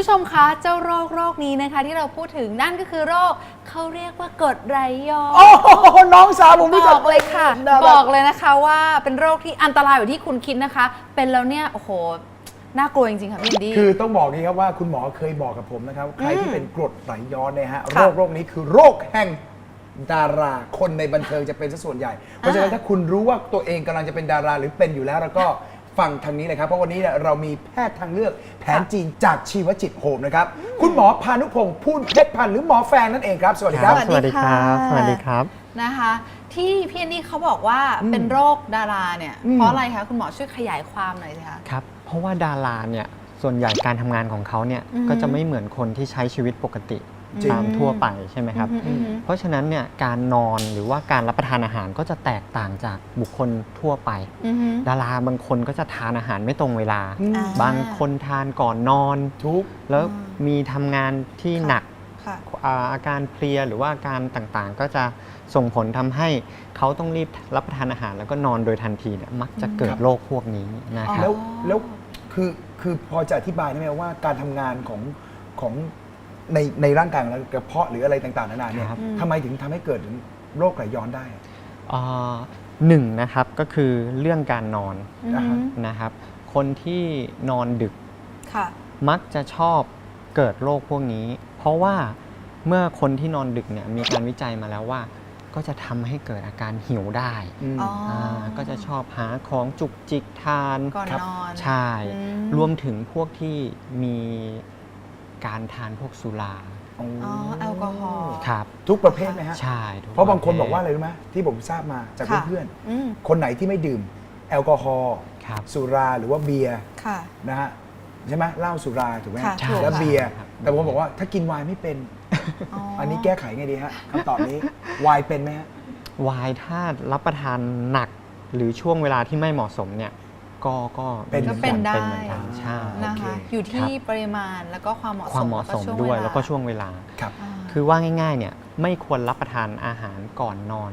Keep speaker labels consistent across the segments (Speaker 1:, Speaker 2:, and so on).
Speaker 1: ผู้ชมคะเจ้าโรคนี้นะคะที่เราพูดถึงนั่นก็คือโรคเขาเรียกว่ากรดไหลย้อน
Speaker 2: โอ้โหน้องสาวผมรู้จั
Speaker 1: บอกเลยค่ะบอกเลยนะคะว่าเป็นโรคที่อันตรายอยู่ที่คุณคิดนะคะ เป็นแล้วเนี่ยโอ้โหน่ากลัวจริงๆค่ะพี่อินดี้
Speaker 2: คือต้องบอกนี้ครับว่าคุณหมอเคยบอกกับผมนะครับใครที่เป็นกรดไหลย้อนเนี่ยฮะโรคนี้คือโรคแห่งดาราคนในบันเทิงจะเป็นซะส่วนใหญ่เพราะฉะนั้นถ้าคุณรู้ว่าตัวเองกำลังจะเป็นดาราหรือเป็นอยู่แล้วก็ฟังทางนี้เลยครับเพราะวันนี้เรามีแพทย์ทางเลือกแผนจีนจากชีวจิตโฮมนะครับคุณหมอพานุพงศ์พูนเพชรพันธ์หรือหมอแฟงนั่นเองครับสวัสดีครับ
Speaker 3: สวัสดีครับสวัสดีครับ
Speaker 1: นะคะที่พี่อินดี้เขาบอกว่าเป็นโรคดาราเนี่ยเพราะอะไรคะคุณหมอช่วยขยายความหน่อยสิคะ
Speaker 3: ครับเพราะว่าดาราเนี่ยส่วนใหญ่การทำงานของเขาเนี่ยก็จะไม่เหมือนคนที่ใช้ชีวิตปกติตามทั่วไปใช่ไหมครับเพราะฉะนั้นเนี่ยการนอนหรือว่าการรับประทานอาหารก็จะแตกต่างจากบุคคลทั่วไปดาราบางคนก็จะทานอาหารไม่ตรงเวลาบางคนทานก่อนนอน
Speaker 2: ทุก
Speaker 3: แล้วมีทำงานที่หนักอาการเพลียหรือว่าอาการต่างๆก็จะส่งผลทำให้เขาต้องรีบรับประทานอาหารแล้วก็นอนโดยทันทีเนี่ยมักจะเกิดโรคพวกนี้นะครับ
Speaker 2: แล้วคือพอจะอธิบายได้ไหมว่าการทำงานของในร่างกายของเรากระเพาะหรืออะไรต่างๆนานาเนี่ยทำไมถึงทำให้เกิดโรคไหลย้อนได้
Speaker 3: หนึ่งนะครับก็คือเรื่องการนอนนะครับคนที่นอนดึกมักจะชอบเกิดโรคพวกนี้เพราะว่าเมื่อคนที่นอนดึกเนี่ยมีการวิจัยมาแล้วว่าก็จะทำให้เกิดอาการหิวได้ก็จะชอบหาของจุกจิกทาน
Speaker 1: ก่อนนอน
Speaker 3: ใช่รวมถึงพวกที่มีการทานพวกสุรา
Speaker 1: แอลกอฮอล์
Speaker 3: ครับ
Speaker 2: ทุกประเภทไหมฮะ
Speaker 3: ใช่
Speaker 2: เพราะบางคนบอกว่าอะไรรู้ไหมที่ผมทราบมาจากเพื่อนๆคนไหนที่ไม่ดื่มแอลกอฮอล์สุราหรือว่าเบียร์นะฮะใช่ไหมเหล้าสุราถูกไหมแล้วเบียร์แต่ผมบอกว่าถ้ากินไวน์ไม่เป็นอันนี้แก้ไขไงดีฮะคำตอบนี้ไวน์เป็นไหมฮะ
Speaker 3: ไวน์ถ้ารับประทานหนักหรือช่วงเวลาที่ไม่เหมาะสมเนี่ยก็
Speaker 1: เป็นได้
Speaker 3: ใช่
Speaker 1: นะคะอยู่ที่ปริมาณแล้วก็ความเหมาะสม
Speaker 3: ด้วยแล้วก็ช่วงเวลาคือว่าง่ายๆเนี่ยไม่ควรรับประทานอาหารก่อนนอน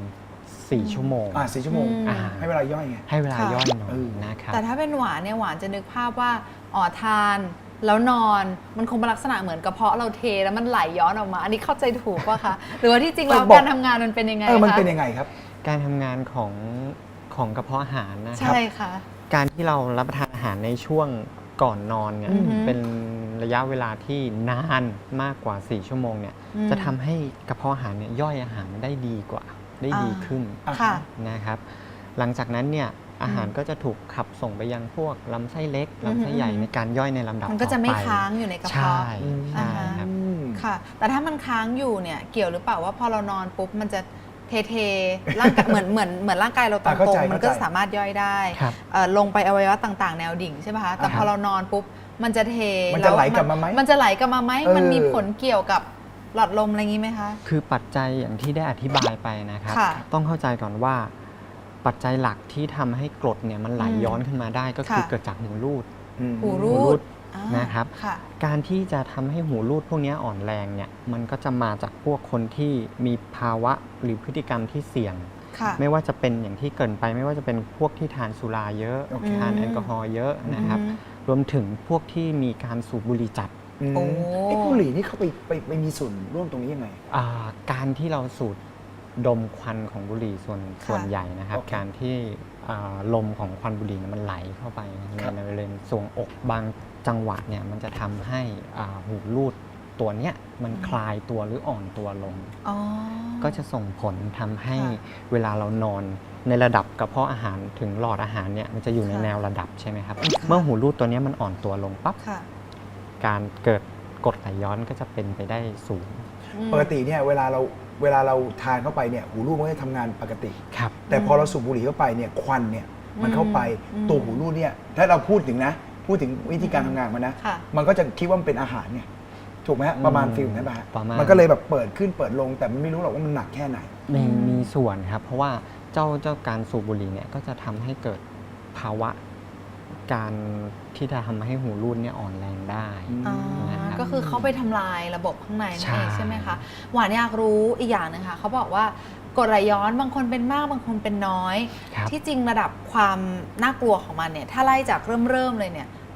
Speaker 3: 4 ชั่วโมง
Speaker 2: 4 ชั่วโมงให้เวลาย่อยไง
Speaker 3: ให้เวลาย่อยนอนนะครับ
Speaker 1: แต่ถ้าเป็นหวานเนี่ยหวานจะนึกภาพว่าทานแล้วนอนมันคงเป็นลักษณะเหมือนกระเพาะเราเทแล้วมันไหลย้อนออกมาอันนี้เข้าใจถูกป่ะคะหรือว่าที่จริงแล้วการทำงานมันเป็นยังไงคะ
Speaker 2: มันเป็นยังไงครับ
Speaker 3: การทำงานของกระเพาะอาหารนะครับ
Speaker 1: ใช่ค่ะ
Speaker 3: การที่เรารับประทานอาหารในช่วงก่อนนอนเนี่ยเป็นระยะเวลาที่นานมากกว่า4 ชั่วโมงเนี่ยจะทำให้กระเพาะอาหารเนี่ยย่อยอาหารได้ดีกว่าได้ดีขึ้นนะครับหลังจากนั้นเนี่ยอาหารก็จะถูกขับส่งไปยังพวกลำไส้เล็กลำไส้ใหญ่ในการย่อยในลำดับต่อไป
Speaker 1: มันก็จะไม่ค้างอยู่ในกระเพาะ
Speaker 3: ใช่ครับ
Speaker 1: ค่ะแต่ถ้ามันค้างอยู่เนี่ยเกี่ยวหรือเปล่าว่าพอเรานอนปุ๊บมันจะเทร่างกายเหมือนร่างกายเราตรงๆมันก็สามารถย่อยได้ลงไปอวัยวะต่างๆแนวดิ่งใช่ไหมคะแต่พอเรานอนปุ๊บมันจะเท
Speaker 2: มันจะไหลกลับมาไหม
Speaker 1: มันมีผลเกี่ยวกับหลอดลมอะไรอย่างนี้ไหมคะ
Speaker 3: คือปัจจัยอย่างที่ได้อธิบายไปนะครับต้องเข้าใจก่อนว่าปัจจัยหลักที่ทำให้กรดเนี่ยมันไหลย้อนขึ้นมาได้ก็คือเกิดจากหูรูดนะครับการที่จะทำให้หูรูดพวกนี้อ่อนแรงเนี่ยมันก็จะมาจากพวกคนที่มีภาวะหรือพฤติกรรมที่เสี่ยงไม่ว่าจะเป็นอย่างที่เกินไปไม่ว่าจะเป็นพวกที่ทานสุราเยอะทานแอลกอฮอล์เยอะนะครับรวมถึงพวกที่มีการสูบบุหรี่จัด
Speaker 2: บุหรี่นี่เขาไปมีส่วนร่วมตรงนี้ยังไง
Speaker 3: การที่เราสูดดมควันของบุหรี่ส่วนใหญ่นะครับการที่ลมของควันบุหรี่มันไหลเข้าไปในบริเวณทรวงอกบางจังหวะเนี่ยมันจะทำให้หูรูดตัวเนี้ยมันคลายตัวหรืออ่อนตัวลงก็จะส่งผลทำให้เวลาเรานอนในระดับกระเพาะอาหารถึงหลอดอาหารเนี่ยมันจะอยู่ในแนวระดับใช่ไหมครับเมื่อหูรูดตัวนี้มันอ่อนตัวลงปั๊บการเกิดกรดไหลย้อนก็จะเป็นไปได้สูง
Speaker 2: ปกติเนี่ยเวลาเราทานเข้าไปเนี่ยหูรูดมันก็จะทำงานปกติแต่พอเราสูบบุหรี่เข้าไปเนี่ยควันเนี่ยมันเข้าไปตัวหูรูดเนี่ยถ้าเราพูดถึงวิธีการทำงานมันนะมันก็จะคิดว่ามันเป็นอาหารเนี่ยถูกไหมฮะประมาณฟิลนั้นป่ะมันก็เลยแบบเปิดขึ้นเปิดลงแต่มันไม่รู้หรอกว่ามันหนักแค่ไหน
Speaker 3: มีส่วนครับเพราะว่าเจ้าการสูบบุหรี่เนี่ยก็จะทำให้เกิดภาวะการที่จะทำให้หูรูดเนี่ยอ่อนแรงได้
Speaker 1: ก็คือเขาไปทำลายระบบข้างในนั่นเองใช่ไหมคะหวานอยากรู้อีกอย่างนึงค่ะเขาบอกว่ากรดไหลย้อนบางคนเป็นมากบางคนเป็นน้อยที่จริงระดับความน่ากลัวของมันเนี่ยถ้าไล่จากเริ่มเลยเนี่ยป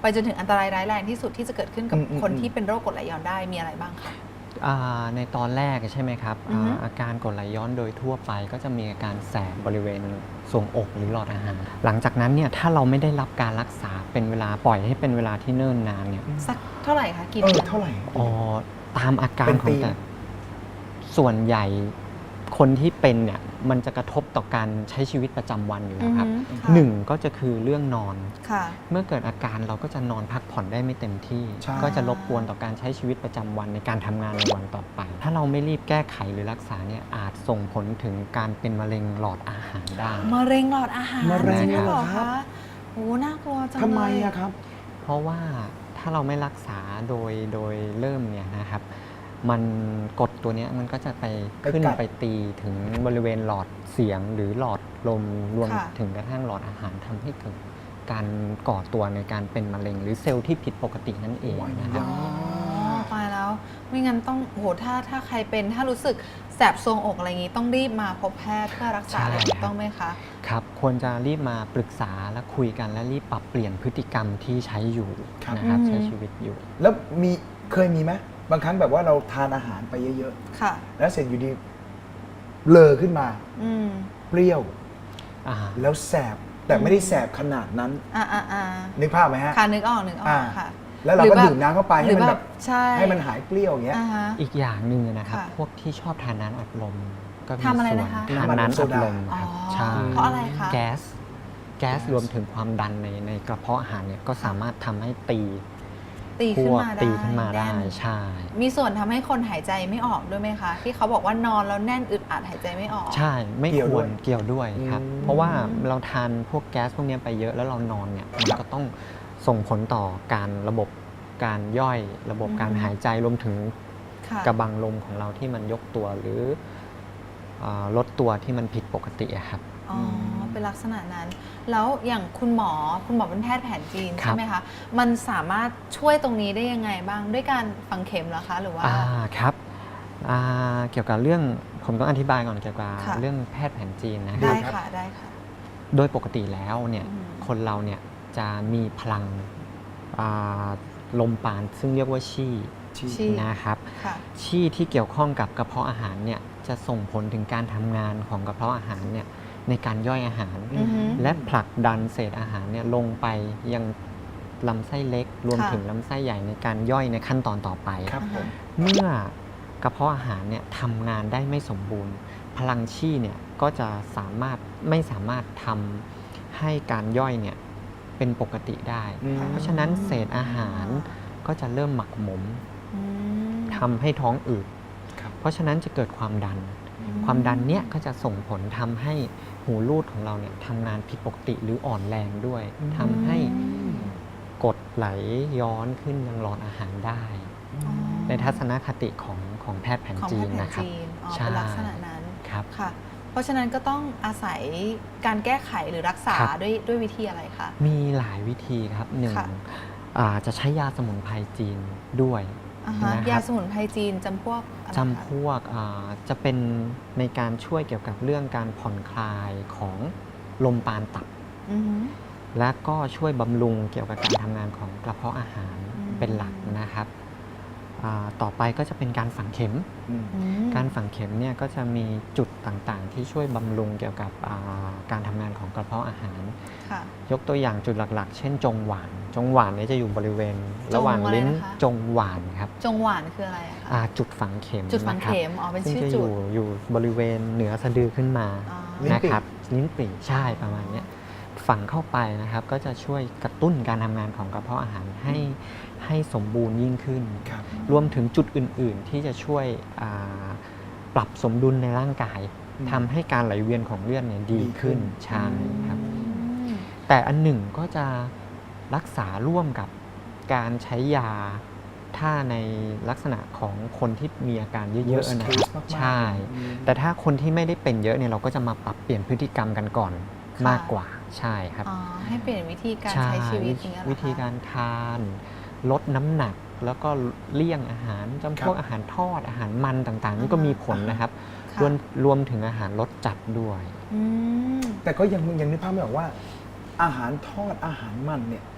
Speaker 1: ไปจนถึงอันตรายร้ายแรงที่สุดที่จะเกิดขึ้นกับคนที่เป็นโรคกรดไหลย้อนได้มีอะไรบ้างคะ
Speaker 3: ในตอนแรกใช่ไหมครับ อาการกรดไหลย้อนโดยทั่วไปก็จะมีอาการแสบบริเวณทรวงอกหรือหลอดอาหารหลังจากนั้นเนี่ยถ้าเราไม่ได้รับการรักษาเป็นเวลาปล่อยให้เป็นเวลาที่เนิ่นนานเนี่ย
Speaker 1: สักเท่าไหร่คะกี่เดือน
Speaker 2: เท่าไหร่
Speaker 3: ตามอาการของแต่ส่วนใหญ่คนที่เป็นเนี่ยมันจะกระทบต่อการใช้ชีวิตประจำวันอยู่แล้วครับหนึ่งก็จะคือเรื่องนอนเมื่อเกิดอาการเราก็จะนอนพักผ่อนได้ไม่เต็มที่ก็จะรบกวนต่อการใช้ชีวิตประจำวันในการทำงานในวันต่อไปถ้าเราไม่รีบแก้ไขหรือรักษาเนี่ยอาจส่งผลถึงการเป็นมะเร็งหลอดอาหารได้
Speaker 1: มะเร็งหลอดอาหาร
Speaker 2: มะเร็ง
Speaker 1: เหรอคะโอ้น่ากลัวจังเลย
Speaker 2: ทำไมอะครับ
Speaker 3: เพราะว่าถ้าเราไม่รักษาโดยเริ่มเนี่ยนะครับมันกดตัวนี้มันก็จะไปขึ้นไปตีถึงบริเวณหลอดเสียงหรือหลอดลมรวมถึงกระทั่งหลอดอาหารทำให้เกิดการก่อตัวในการเป็นมะเร็งหรือเซลล์ที่ผิดปกตินั่นเองนะครับ
Speaker 1: ตายแล้วไม่งั้นต้องโหถ้าใครเป็นถ้ารู้สึกแสบทรวงอกอะไรอย่างนี้ต้องรีบมาพบแพทย์เพื่อรักษาต้องไหมคะ
Speaker 3: ครับควรจะรีบมาปรึกษาและคุยกันและรีบปรับเปลี่ยนพฤติกรรมที่ใช้อยู่นะครับใช้ชีวิตอยู่
Speaker 2: แล้วเคยมีไหมบางครั้งแบบว่าเราทานอาหารไปเยอะๆแล้วเสร็จอยู่ดีเลอขึ้นมาเปรี้ยวแล้วแสบแต่ไม่ได้แสบขนาดนั้นนึกภาพไหมฮะ
Speaker 1: ค่ะนึกออกค่ะ
Speaker 2: แล้วเราก็ดื่มน้ำเข้าไปให้มันแบบให้มันหายเปรี้ยวอย่างเงี้ย
Speaker 3: อีกอย่างหนึ่งนะครับพวกที่ชอบทานน้ำอัดลมก็มี
Speaker 1: ส่วน
Speaker 3: ทานน้ำอัดลม
Speaker 1: ใช่เพราะอะไรคะ
Speaker 3: แก๊สรวมถึงความดันในกระเพาะอาหารเนี่ยก็สามารถทำให้ตีขึ้นมาได้ใช่
Speaker 1: มีส่วนทำให้คนหายใจไม่ออกด้วยไหมคะที่เขาบอกว่านอนแล้วแน่นอึดอัดหายใจไม่ออก
Speaker 3: ใช่ไม่ควรเกี่ยวด้วยครับเพราะว่าเราทานพวกแก๊สพวกนี้ไปเยอะแล้วเรานอนเนี่ยมันก็ต้องส่งผลต่อการระบบการย่อยระบบการหายใจรวมถึงกระบังลมของเราที่มันยกตัวหรือลดตัวที่มันผิดปกติครับ
Speaker 1: อ๋อเป็นลักษณะนั้นแล้วอย่างคุณหมอเป็นแพทย์แผนจีนใช่ไหมคะมันสามารถช่วยตรงนี้ได้ยังไงบ้างด้วยการฝังเข็มเหรอคะหรือว่า
Speaker 3: ครับเกี่ยวกับเรื่องผมต้องอธิบายก่อนเกี่ยวกับเรื่องแพทย์แผนจีนนะ
Speaker 1: ได้ค่ะ
Speaker 3: โดยปกติแล้วเนี่ยคนเราเนี่ยจะมีพลังลมปราณซึ่งเรียกว่าชี่นะครับชี่ที่เกี่ยวข้องกับกระเพาะอาหารเนี่ยจะส่งผลถึงการทำงานของกระเพาะอาหารเนี่ยในการย่อยอาหารและผลักดันเศษอาหารเนี่ยลงไปยังลำไส้เล็กรวมถึงลำไส้ใหญ่ในการย่อยในขั้นตอนต่อไปเมื่อกระเพาะอาหารเนี่ยทำงานได้ไม่สมบูรณ์พลังชี่เนี่ยก็จะไม่สามารถทำให้การย่อยเนี่ยเป็นปกติได้เพราะฉะนั้นเศษอาหารก็จะเริ่มหมักหมมทำให้ท้องอืดเพราะฉะนั้นจะเกิดความดันเนี่ยก็จะส่งผลทำให้หูรูดของเราเนี่ยทำงานผิดปกติหรืออ่อนแรงด้วยทำให้กรดไหลย้อนขึ้นยังหลอดอาหารได้ในทัศนคติของแพทย์แผนจีนนะครับ
Speaker 1: เป็นลักษณะนั้น
Speaker 3: ครับ
Speaker 1: ค่ะเพราะฉะนั้นก็ต้องอาศัยการแก้ไขหรือรักษาด้วยวิธีอะไรคะ
Speaker 3: มีหลายวิธีครับหนึ่งจะใช้ยาสมุนไพรจีนด้วย
Speaker 1: ยาสมุนไพรจีนจำพวก
Speaker 3: จะเป็นในการช่วยเกี่ยวกับเรื่องการผ่อนคลายของลมปราณตับและก็ช่วยบำรุงเกี่ยวกับการทำงานของกระเพาะอาหารเป็นหลักนะครับต่อไปก็จะเป็นการฝังเข็มการฝังเข็มเนี่ยก็จะมีจุดต่างๆที่ช่วยบำรุงเกี่ยวกับการทำงานของกระเพาะอาหารยกตัวอย่างจุดหลักๆเช่นจงหวานเนี่ยจะอยู่บริเวณระหว่างลิ้นจงหวานครับ
Speaker 1: จงหวานคืออะไรคะ
Speaker 3: จุดฝังเข็ม
Speaker 1: เป็นชื่อจุด
Speaker 3: อยู่บริเวณเหนือสะดือขึ้นมานะครับลิ้นปี่ใช่ประมาณนี้ฝังเข้าไปนะครับก็จะช่วยกระตุ้นการทำงานของกระเพาะอาหารให้สมบูรณ์ยิ่งขึ้นรวมถึงจุดอื่นๆที่จะช่วยปรับสมดุลในร่างกายทำให้การไหลเวียนของเลือดเนี่ยดีขึ้นใช่ครับแต่อันหนึ่งก็จะรักษาร่วมกับการใช้ยาถ้าในลักษณะของคนที่มีอาการเยอะๆนะครับใช่แต่ถ้าคนที่ไม่ได้เป็นเยอะเนี่ยเราก็จะมาปรับเปลี่ยนพฤติกรรมกันก่อนมากกว่าใช่ครับ
Speaker 1: ให้เปลี่ยนวิธีการใช้ชีวิตอย่างเงี้ย
Speaker 3: วิธีการทานลดน้ำหนักแล้วก็เลี่ยงอาหารจำพวกอาหารทอดอาหารมันต่างๆนี่ก็มีผลนะครับรวมถึงอาหารรสจัดด้วย
Speaker 2: แต่ก็ยังนึกภาพไม่ออกว่าอาหารทอดอาหารมันเนี่ย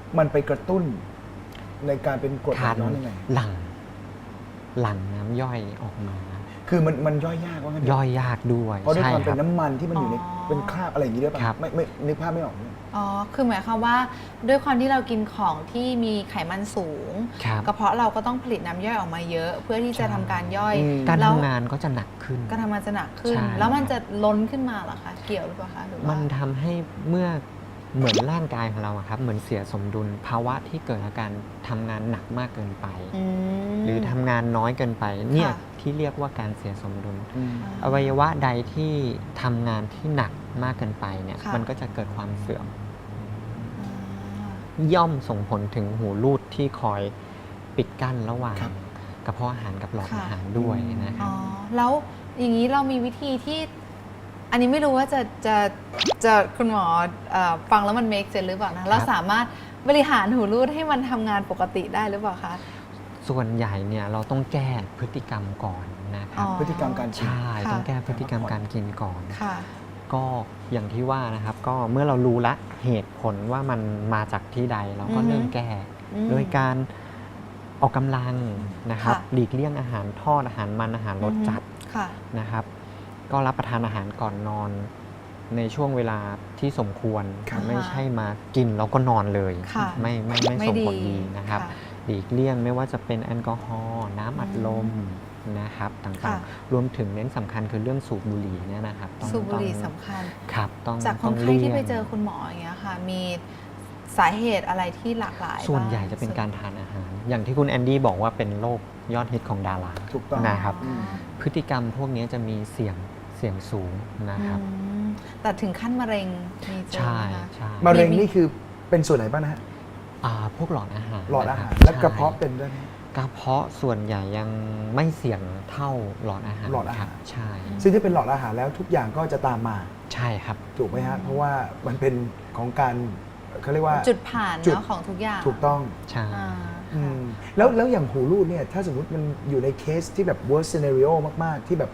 Speaker 2: มันไปกระตุ้นในการเป็นกรดไหลย้อนยังไง
Speaker 3: หลั่งน้ำย่อยออกมา
Speaker 2: คือมันย่อยยากว่างั้นเถอะ
Speaker 3: ย่อยยากด้วย
Speaker 2: เพราะด้วย
Speaker 3: ใช่
Speaker 2: ความ
Speaker 3: ค
Speaker 2: เป็
Speaker 3: รั
Speaker 2: น
Speaker 3: บ
Speaker 2: น้ำมันที่มันอยู่ใน
Speaker 1: อ๋อ
Speaker 2: เป็นคราบอะไรอย่างนี้ด้วยป่ะ
Speaker 3: ครับ
Speaker 2: ไม่นึกภาพไม่ออกเลย
Speaker 1: อ๋อ คือหมายความว่าด้วยความที่เรากินของที่มีไขมันสูง
Speaker 3: ครับ
Speaker 1: กระเพาะเราก็ต้องผลิตน้ำย่อยออกมาเยอะ เพื่อที่จะทำการย่อย
Speaker 2: อืม
Speaker 3: การ
Speaker 1: แล้ว
Speaker 3: ทำงานก็จะหนักขึ้น
Speaker 1: การทำงานจะหนักขึ้น
Speaker 3: ใช่
Speaker 1: แล้วมันจะล้นขึ้นมาเหรอคะ เกี่ยวหรือเปล่าคะหรือว่า
Speaker 3: มันทำให้เมื่อเหมือนร่างกายของเราอะครับเหมือนเสียสมดุลภาวะที่เกิดอาการทำงานหนักมากเกินไป
Speaker 1: อืม
Speaker 3: หรือทำงานน้อยเกินไปเนี่ย
Speaker 1: ค่ะ
Speaker 3: ที่เรียกว่าการเสียสมดุล
Speaker 2: อืม
Speaker 3: อวัยวะใดที่ทำงานที่หนักมากเกินไปเนี่ย
Speaker 1: ค่ะ
Speaker 3: มันก็จะเกิดความเสื่อม
Speaker 1: อ่า
Speaker 3: ย่อมส่งผลถึงหูรูดที่คอยปิดกั้นระหว่าง
Speaker 2: ครับ
Speaker 3: กระเพาะอาหารกับหลอด
Speaker 1: ค่ะ
Speaker 3: อาหารด้วยนะค
Speaker 1: อ๋
Speaker 3: รั
Speaker 1: อบ แล้วอย่างนี้เรามีวิธีที่ อันนี้ไม่รู้ว่าจะคุณหมอฟังแล้วมัน make sense หรือเปล่านะเราสามารถบริหารหูรูดให้มันทำงานปกติได้หรือเปล่าคะ
Speaker 3: ส่วนใหญ่เนี่ยเราต้องแก้พฤติกรรมก่อนนะครับ
Speaker 1: อ๋อ
Speaker 2: พฤติกรรมการกิน
Speaker 3: ใช่
Speaker 1: ค่ะ
Speaker 3: ต้องแก้พฤติกรรมการกินก่อน
Speaker 1: ค่ะ
Speaker 3: ก็อย่างที่ว่านะครับ ก็เมื่อเรารู้ละเหตุผลว่ามันมาจากที่ใดเราก็
Speaker 1: อือฮึ
Speaker 3: เริ่มแก้
Speaker 1: อืม
Speaker 3: โดยการออกกำลังนะครับ
Speaker 1: ค่ะ
Speaker 3: หลีกเลี่ยงอาหารทอดอาหารมันอาหารรสจัด
Speaker 1: ค่ะ
Speaker 3: นะครับ ก็รับประทานอาหารก่อนนอนในช่วงเวลาที่สมควร
Speaker 2: ครับ
Speaker 3: ไม่ใช่มากินแล้วก็นอนเลย
Speaker 1: ค่ะ
Speaker 3: ไม่ส่งผลดีนะครับ
Speaker 1: ค่ะ
Speaker 3: หลีกเลี่ยงไม่ว่าจะเป็นแอลกอฮอล์น้ำอัดลมนะครับต่า
Speaker 1: ค่ะ
Speaker 3: งๆ รวมถึงเน้นสำคัญคือเรื่องสูบบุหรี่เนี่ยนะครับต้อง
Speaker 1: สูบบุหรี่
Speaker 3: ต้อง
Speaker 1: สำคัญ
Speaker 3: ครับต้อง
Speaker 1: จากค
Speaker 3: ต้อน ง
Speaker 1: ไข้ที่
Speaker 3: ลี่ยง
Speaker 1: ไปเจอคุณหมออย่างเงี้ยค่ะ มีสาเหตุอะไรที่หลากหลาย
Speaker 3: ส่วนใหญ่
Speaker 1: บ้ง
Speaker 3: จะเป็นการทานอาหาร อย่างที่คุณแอนดี้บอกว่าเป็นโรคยอดฮิตของดารา
Speaker 2: ถูกต้อง
Speaker 3: นะครับ
Speaker 1: อ๋อ
Speaker 3: พฤติกรรมพวกนี้จะมีเสี่ยงสูงนะครับ
Speaker 1: อืมแต่ถึงขั้นมะเร็งมีเจอ
Speaker 3: ใช่
Speaker 1: ไหมคะ
Speaker 3: ใช่
Speaker 2: มะเร็งนี่คือเป็นส่วนไหนบ้างนะฮะ
Speaker 3: พวกหลอดอาหาร
Speaker 2: หลอดอาหาร
Speaker 3: นคบ
Speaker 2: และกระเพาะ
Speaker 3: ใช่
Speaker 2: เป็นด้วยไหม
Speaker 3: กระเพาะส่วนใหญ่ยังไม่เสี่ยงเท่าหลอดอาหาร
Speaker 2: หลอดอาหาร
Speaker 3: คบใช่
Speaker 2: ซึ่งถ้าเป็นหลอดอาหารแล้วทุกอย่างก็จะตามมา
Speaker 3: ใช่ครับ
Speaker 2: ถูกไหมฮะ เพราะว่ามันเป็นของการเขาเรียกว่า
Speaker 1: จุดผ่าน
Speaker 2: จุด
Speaker 1: เนาะของทุกอย่าง
Speaker 2: ถูกต้อง
Speaker 3: ใช่
Speaker 1: อ่า
Speaker 2: อื
Speaker 1: ค่ะ
Speaker 2: มแล้วอย่างหูรูดเนี่ยถ้าสมมติมันอยู่ในเคสที่แบบ worst scenario มาก ๆ ที่แบบ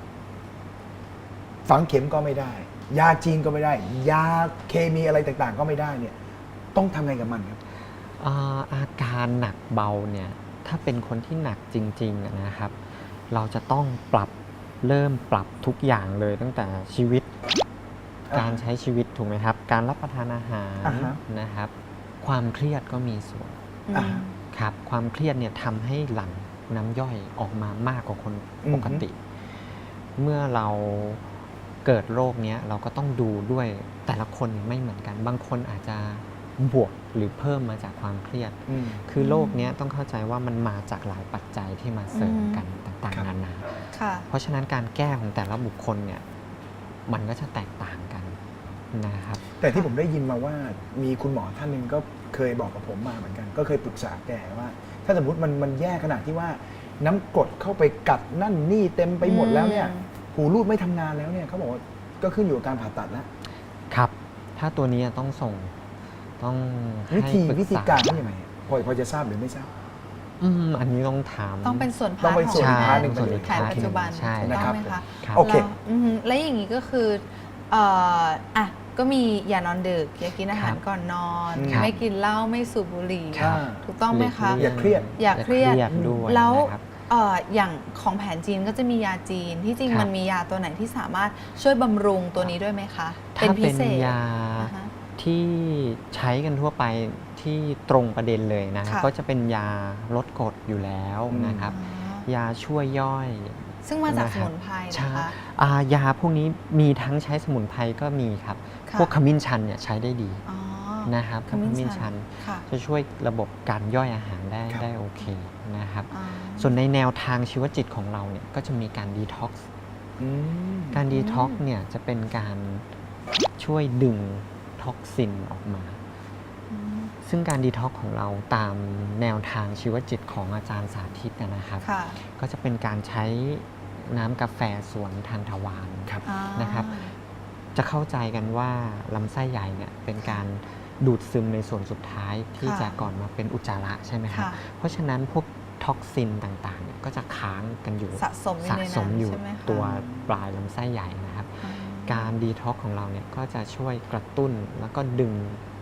Speaker 2: ฝังเข็มก็ไม่ได้ ยาจีนก็ไม่ได้ ยาเคมีอะไรต่างๆ ก็ไม่ได้เนี่ย ต้องทำไงกับมันครับ
Speaker 3: อาการหนักเบาเนี่ยถ้าเป็นคนที่หนักจริงๆอะนะครับ เราจะต้องเริ่มปรับทุกอย่างเลยตั้งแต่ชีวิต
Speaker 2: อ่า
Speaker 3: การใช้ชีวิตถูกไหมครับ การรับประทานอาหาร
Speaker 2: อ่าฮะ
Speaker 3: นะครับ ความเครียดก็มีส่วน
Speaker 1: อืม
Speaker 2: อ่า
Speaker 3: ครับความเครียดเนี่ยทำให้หลั่งน้ำย่อยออกมามากกว่าคนปกติ เมื่อเราเกิดโรคเนี้ยเราก็ต้องดูด้วยแต่ละคนไม่เหมือนกัน บางคนอาจจะบวกหรือเพิ่มมาจากความเครียด
Speaker 2: อืม
Speaker 3: คือโรคเนี้ยต้องเข้าใจว่ามันมาจากหลายปัจจัยที่มาเสริมกันต่าง
Speaker 2: ครับ
Speaker 3: ๆนานา
Speaker 1: ค่ะ
Speaker 3: เพราะฉะนั้นการแก้ของแต่ละบุคคลเนี่ยมันก็จะแตกต่างกันนะครับ
Speaker 2: แต่ที่ผมได้ยินมาว่ามีคุณหมอท่านหนึ่งก็เคยบอกกับผมมาเหมือนกัน ก็เคยปรึกษาแกว่า ถ้าสมมติมันแย่ขนาดที่ว่าน้ำกรดเข้าไปกัดนั่นนี่เต็มไปหมดแล้วเนี่ย หูรูดไม่ทำงานแล้วเนี่ยเขาบอกว่าก็ขึ้นอยู่กับการผ่าตัดแล้ว
Speaker 3: ครับ ถ้าตัวนี้ต้องให้
Speaker 2: วิธี
Speaker 3: ปษ
Speaker 2: การเป็นยังไงพอจะทราบหรือไม่ทราบ
Speaker 3: อันนี้ต้องถาม
Speaker 1: ต้องเป็นส่วน
Speaker 2: ต้
Speaker 1: พา
Speaker 2: อง
Speaker 1: ร์ท
Speaker 2: เป็น
Speaker 1: ของ
Speaker 2: ส่วน
Speaker 3: ใช่
Speaker 2: พาร์ทหนึ่ง
Speaker 3: ส่วน
Speaker 2: ไปเลย
Speaker 3: อีก
Speaker 1: แผนปัจจุบัน
Speaker 3: ใช่
Speaker 1: ถูก
Speaker 2: นะ
Speaker 1: ต้
Speaker 2: ครั
Speaker 1: อบ งไหมคะ
Speaker 3: ครับ
Speaker 2: โอเค
Speaker 1: แล้วและอย่างนี้ก็คือเอ่ออ่ะก็มีอย่านอนดึกอย่ากินอาหารก่อนนอน
Speaker 2: ครับ
Speaker 1: ไม่กินเหล้าไม่สูบบุหรี่
Speaker 2: ครับ
Speaker 1: ถูกต้องไหมคะ
Speaker 2: อย่าเครียด
Speaker 1: อย่าเครียด
Speaker 3: ด้วย
Speaker 1: แล้ว
Speaker 3: นะครับ
Speaker 1: อย่างของแผนจีนก็จะมียาจีนที่จริง
Speaker 3: ครับ
Speaker 1: มันมียาตัวไหนที่สามารถช่วยบำรุงตัวนี้ด้วยไหมคะ
Speaker 3: ถ้า
Speaker 1: พิ
Speaker 3: เป็น
Speaker 1: เศษ
Speaker 3: ยา
Speaker 1: อ่าฮะ
Speaker 3: ที่ใช้กันทั่วไปที่ตรงประเด็นเลยนะ
Speaker 1: ค่ะ
Speaker 3: ก็จะเป็นยาลดกรดอยู่แล้วนะครับ ยาช่วยย่อย
Speaker 1: ซึ่งมาจาก
Speaker 3: นะ
Speaker 1: ส
Speaker 3: ครับ
Speaker 1: มุนไพร
Speaker 3: ใช่
Speaker 1: นะคะ
Speaker 3: ยาพวกนี้มีทั้งใช้สมุนไพรก็มีครับ
Speaker 1: ค่ะ
Speaker 3: พวกขมิ้นชันเนี่ยใช้ได้ดี
Speaker 1: อ๋อ
Speaker 3: นะครับ
Speaker 1: ขมิ้นชัน
Speaker 3: น
Speaker 1: ค่ะ
Speaker 3: จะช่วยระบบการย่อยอาหารได้
Speaker 2: ครับ
Speaker 3: ได้โอเคนะครับ
Speaker 1: อ่า
Speaker 3: ส่วนในแนวทางชีวจิตของเราเนี่ยก็จะมีการดีท็อกซ์
Speaker 2: อืม
Speaker 3: การดีท็อกซ์เนี่ยจะเป็นการช่วยดึงท็อกซินออกมา
Speaker 1: อืม
Speaker 3: ซึ่งการดีท็อกซ์ของเราตามแนวทางชีวจิตของอาจารย์สาธิตนะครับ
Speaker 1: ค่ะ
Speaker 3: ก็จะเป็นการใช้น้ำกาแฟสวนทานตะวัน
Speaker 2: ครับ
Speaker 1: อ่า
Speaker 3: นะครับ จะเข้าใจกันว่าลำไส้ใหญ่เนี่ยเป็นการดูดซึมในส่วนสุดท้ายที่
Speaker 1: ค่ะ
Speaker 3: จะก่อนมาเป็นอุจจาระใช่ไหมครับ
Speaker 1: ค่ะ
Speaker 3: เพราะฉะนั้นพวกท็อกซินต่างๆเนี่ยก็จะค้างกันอยู่
Speaker 1: สะสมอยู่
Speaker 3: สะ
Speaker 1: ใน
Speaker 3: ส
Speaker 1: นั้
Speaker 3: ม
Speaker 1: น
Speaker 3: อยู่
Speaker 1: ใช่ไหมคะ
Speaker 3: ตัวปลายลำไส้ใหญ่นะครับ
Speaker 1: อ่า
Speaker 3: การดีท็อกของเราเนี่ยก็จะช่วยกระตุ้นแล้วก็ดึงท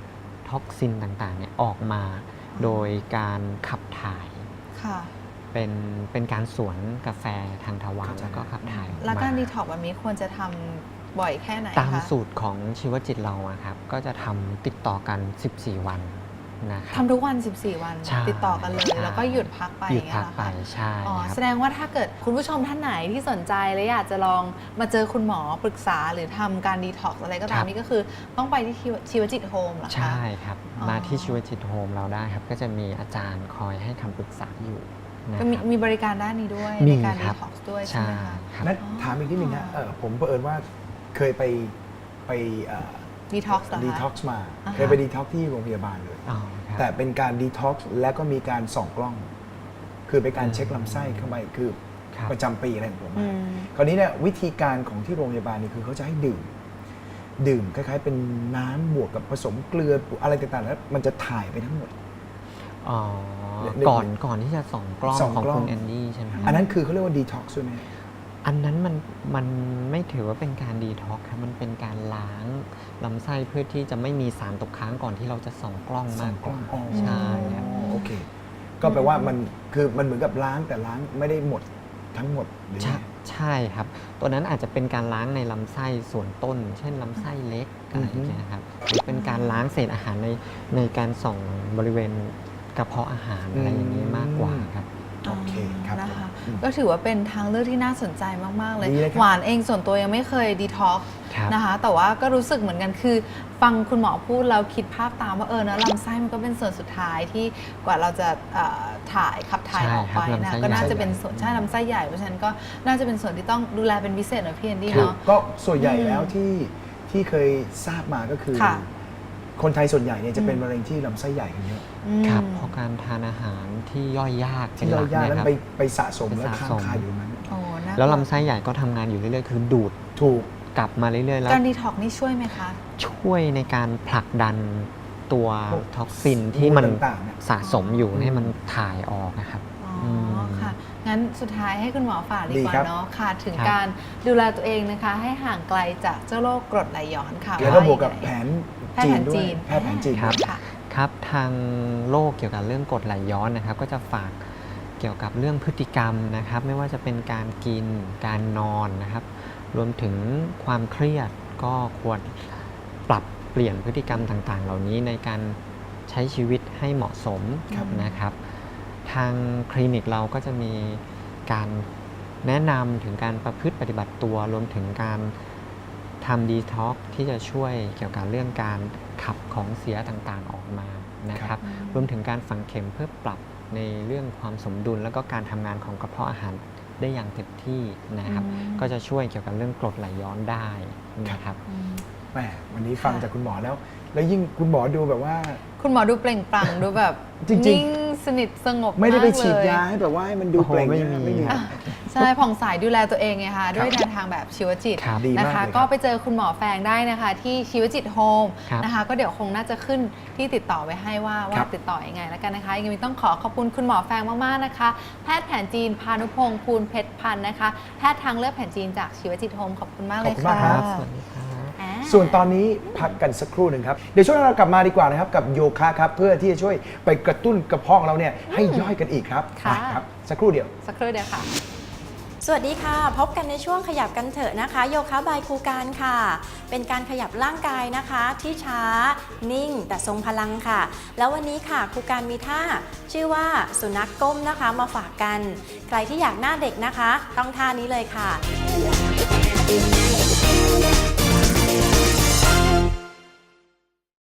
Speaker 3: ท็อกซินต่างๆเนี่ยออกมาโดยการขับถ่าย
Speaker 1: ค่ะ
Speaker 3: เป็นการสวนกาแฟทางทวารแล้วก็ขับถ่ายออกมา
Speaker 1: แล้วการดีท็อกแบบนี้ควรจะทำบ่อยแค่ไหนคะ
Speaker 3: ตามสูตรของชีวจิตเราอะครับก็จะทำติดต่อกัน 14 วันนะครับ
Speaker 1: ทำทุกวัน 14 วัน
Speaker 3: ใช่
Speaker 1: ติดต่อกันเลย
Speaker 3: ใช่
Speaker 1: แล้วก็หยุดพักไป
Speaker 3: หยุด
Speaker 1: อย่าง
Speaker 3: พั
Speaker 1: เงี้
Speaker 3: ก
Speaker 1: ย
Speaker 3: ไป
Speaker 1: เหรอคะ
Speaker 3: ใช่
Speaker 1: อ๋อ
Speaker 3: ครับ
Speaker 1: แสดงว่าถ้าเกิดคุณผู้ชมท่านไหนที่สนใจและอยากจะลองมาเจอคุณหมอปรึกษาหรือทำการดีท็อกซ์อะไรก็ตามนี่ก็คือต้องไปที่ชีวจิตโฮมเหรอคะ
Speaker 3: ใช่ครับ
Speaker 1: อ๋อ
Speaker 3: มาที่ชีวจิตโฮมเราได้ครับ ก็จะมีอาจารย์คอยให้คำปรึกษาอยู่นะ
Speaker 1: ก็
Speaker 3: ครับ
Speaker 1: มีบริการด้านนี้ด้วย
Speaker 3: มี
Speaker 1: ในการ
Speaker 3: ค
Speaker 1: ดี
Speaker 3: รับ
Speaker 1: ท็อกซ์ด้วยใช่
Speaker 3: ใช่
Speaker 1: ไหมคะ
Speaker 3: ครับ
Speaker 2: นั้นถามอีกนิดนึงนะผมเผอิญว่าเคยไป
Speaker 1: ดีท็อกซ์เหรอ
Speaker 2: ดี
Speaker 1: คะ
Speaker 2: ท็อกซ์มา
Speaker 1: อ่าฮะ
Speaker 2: เคยไปดีท็อกซ์ที่โรงพยาบาลเลย
Speaker 3: อ๋อครับ
Speaker 2: แต่เป็นการดีท็อกซ์และก็มีการส่องกล้อง คือเป็นการเช็คลำไส้เข้าไปคือ
Speaker 3: ครับ
Speaker 2: ประจำปีอะไรของผม
Speaker 1: อื
Speaker 2: อะ
Speaker 1: ม
Speaker 2: คราวนี้เนี่ยวิธีการของที่โรงพยาบาลนี่คือเขาจะให้ดื่มคล้ายๆเป็นน้ำบวกกับผสมเกลืออะไรต่างๆแล้วมันจะถ่ายไปทั้งหมด
Speaker 3: อ๋อ
Speaker 2: เดี๋ยว
Speaker 3: ก่อนที่จะส่องกล้อง
Speaker 2: ส่อง
Speaker 3: ของ
Speaker 2: กล้อง
Speaker 3: คุณแอนดี้ใช่ไหมครับ
Speaker 2: อันนั้นคือเขาเรียกว่าดีท็อกซ์ใช่ไหม
Speaker 3: อันนั้นมันไม่ถือว่าเป็นการดีท็อกซ์ครับมันเป็นการล้างลำไส้เพื่อที่จะไม่มีสารตกค้างก่อนที่เราจะส่องกล้องมากกว่า
Speaker 2: อ๋อ
Speaker 3: ใช่ครับ
Speaker 2: โอเค ก็แปลว่ามันคือมันเหมือนกับล้างแต่ล้างไม่ได้หมดทั้งหมดหรือ
Speaker 3: ใช่
Speaker 2: ไง
Speaker 3: ใช่ครับ ตัวนั้นอาจจะเป็นการล้างในลำไส้ส่วนต้น เช่นลำไส้เล็กอะไรอย่างเงี้ยครับหรือเป็นการล้างเศษอาหารในการส่องบริเวณกระเพาะอาหารอะไรอย่างนี้มากกว่าครับ
Speaker 2: โอเคครับ
Speaker 1: นะคะ
Speaker 2: อืม
Speaker 1: ก็ถือว่าเป็นทางเลือกที่น่าสนใจมาก ๆ เลย
Speaker 2: ดีเลยครับ
Speaker 1: หวานเองส่วนตัวยังไม่เคยดีท็อกซ์
Speaker 3: ครับ
Speaker 1: นะคะ แต่ว่าก็รู้สึกเหมือนกันคือ ฟังคุณหมอพูดแล้วคิดภาพตามว่านะลำไส้มันก็เป็นส่วนสุดท้ายที่กว่าเราจะขับถ่าย
Speaker 3: ใช่
Speaker 1: ออก
Speaker 3: ครั
Speaker 1: ไป
Speaker 3: บ
Speaker 1: นะ
Speaker 3: ลำไส้
Speaker 1: ก็น่า
Speaker 3: ใหญ่
Speaker 1: จะเป็นส่วนใช่ลำไส้ใหญ่เพราะฉะนั้นก็น่าจะเป็นส่วนที่ต้องดูแลเป็นพิเศษหน่อยพี่แอนดี้
Speaker 2: คือ
Speaker 1: เนาะ
Speaker 2: ก็ส่วนใหญ่
Speaker 1: อืม
Speaker 2: แล้วที่เคยทราบมาก็คือ
Speaker 1: ค่ะ
Speaker 2: คนไทยส่วนใหญ่เนี่ยจะเป็นมะเร็งที่ลำไส้ใหญ่กันเยอะ
Speaker 1: อืม
Speaker 3: ครับเพราะการทานอาหารที่ย่อยยากเป็น
Speaker 2: ที่
Speaker 3: ห
Speaker 2: เรา
Speaker 3: ลัก
Speaker 2: ยาก
Speaker 3: เน
Speaker 2: แล้ว
Speaker 3: ยครับ
Speaker 2: ไปสะสม
Speaker 3: ไป
Speaker 2: แล้ว
Speaker 3: สะ
Speaker 2: ค้าง
Speaker 3: สม
Speaker 2: คาอยู่นั้น
Speaker 1: โอ้น่าก
Speaker 3: แล้ว
Speaker 1: ลั
Speaker 3: ลำไส้ใหญ่ก็ทำงานอยู่เรื่อยๆ คือดูด
Speaker 2: ถูก
Speaker 3: กลับมาเรื่อยๆ แล้ว
Speaker 1: การดีท็อกซ์นี่ช่วยไหมคะ
Speaker 3: ช่วยในการผลักดันตัว
Speaker 2: พวก
Speaker 3: ท็อกซินที่มัน
Speaker 2: มูลต่างๆเนี่ย
Speaker 3: สะสมอยู่ให้มันถ่ายออกนะครับ
Speaker 1: อ๋อ
Speaker 3: ม
Speaker 1: ค่ะ งั้นสุดท้ายให้คุณหมอฝากดี
Speaker 2: ดี
Speaker 1: กว่า
Speaker 2: ครับ
Speaker 1: เนาะค่ะ ถึง
Speaker 3: ครับ
Speaker 1: การดูแลตัวเองนะคะ ให้ห่างไกลจากเจ้าโรคกรดไหลย้อนค่ะ
Speaker 2: แล้วก็
Speaker 1: า
Speaker 2: บวกกับ
Speaker 1: ยังไง
Speaker 2: แผนจีนด้วยแพทย์แผนจีน
Speaker 3: ครับ
Speaker 1: ค่ะ
Speaker 3: ครับทางโลกเกี่ยวกับเรื่องกรดไหลย้อนนะครับ ก็จะฝากเกี่ยวกับเรื่องพฤติกรรมนะครับ ไม่ว่าจะเป็นการกินการนอนนะครับ รวมถึงความเครียดก็ควรปรับเปลี่ยนพฤติกรรมต่างๆ เหล่านี้ในการใช้ชีวิตให้เหมาะสม
Speaker 1: ครับ
Speaker 3: นะครับ ทางคลินิกเราก็จะมีการแนะนำถึงการประพฤติปฏิบัติตัว รวมถึงการทำดีท็อกที่จะช่วยเกี่ยวกับเรื่องการขับของเสียต่างๆออกมานะครับ รวมถึงการฝังเข็มเพื่อปรับในเรื่องความสมดุล แล้วก็การทำงานของกระเพาะอาหารได้อย่างเต็มที่นะครับ ก็จะช่วยเกี่ยวกับเรื่องกรดไหลย้อนได้นะครับ
Speaker 1: อืม
Speaker 2: แหมวันนี้ฟังจากคุณหมอแล้ว แล้วยิ่งคุณหมอดูแบบว่า
Speaker 1: คุณหมอดูเปล่งปลั่งดูแบบ
Speaker 2: จริงๆ
Speaker 1: นิ่งสนิทสงบ
Speaker 2: ไม่ได้ไป
Speaker 1: ากเล
Speaker 2: ฉีดยาให้แบบว่าให้มันดู
Speaker 3: โอ้โห
Speaker 2: เปล่ง
Speaker 3: ไม่
Speaker 2: นะ
Speaker 3: มี
Speaker 2: ไม่มี
Speaker 3: ครับ
Speaker 1: ใช่ผ่องใสดูแลตัวเองไงคะด้วยแนวทางแบบชีวจิต
Speaker 3: ครับ
Speaker 2: ดีมาก
Speaker 1: นะคะ
Speaker 2: เลยครับ
Speaker 1: ก็ไปเจอคุณหมอแฟงได้นะคะ ที่ชีวจิตโฮม
Speaker 3: ครับ
Speaker 1: นะคะ ก็เดี๋ยวคงน่าจะขึ้นที่ติดต่อไว้ให้ว่าติดต่อยังไงแล้วกันนะคะยังไงต้องขอบคุณคุณหมอแฟงมากๆนะคะ แพทย์แผนจีนพานุพงศ์ภูลเพชรพันธ์นะคะแพทย์ทางเลือกแผนจีนจากชีวจิตโฮมขอบคุณมากเลย
Speaker 2: ขอบคุณมากครั
Speaker 1: ค่ะ
Speaker 2: บ
Speaker 3: สวัสดีครับ
Speaker 1: อ่า
Speaker 2: ส่วนตอนนี้พักกันสักครู่หนึ่งครับ เดี๋ยวช่วงหน้าเรากลับมาดีกว่านะครับกับโยคะครับเพื่อที่จะช่วยไปกระตุ้นกระเพาะของเราเนี่ยให้ย่อยกันอีกครับ
Speaker 1: ค่ะ
Speaker 2: ไปครับสักครู่เดียว
Speaker 1: สักครู่เดียวค่ะ
Speaker 4: สวัสดีค่ะ พบกันในช่วงขยับกันเถอะนะคะ โยคะบายครูการค่ะ เป็นการขยับร่างกายนะคะ ที่ช้า นิ่ง แต่ทรงพลังค่ะ แล้ววันนี้ค่ะครูการมีท่าชื่อว่าสุนัขก้มนะคะมาฝากกัน ใครที่อยากหน้าเด็กนะคะ ต้องท่านี้เลยค่ะ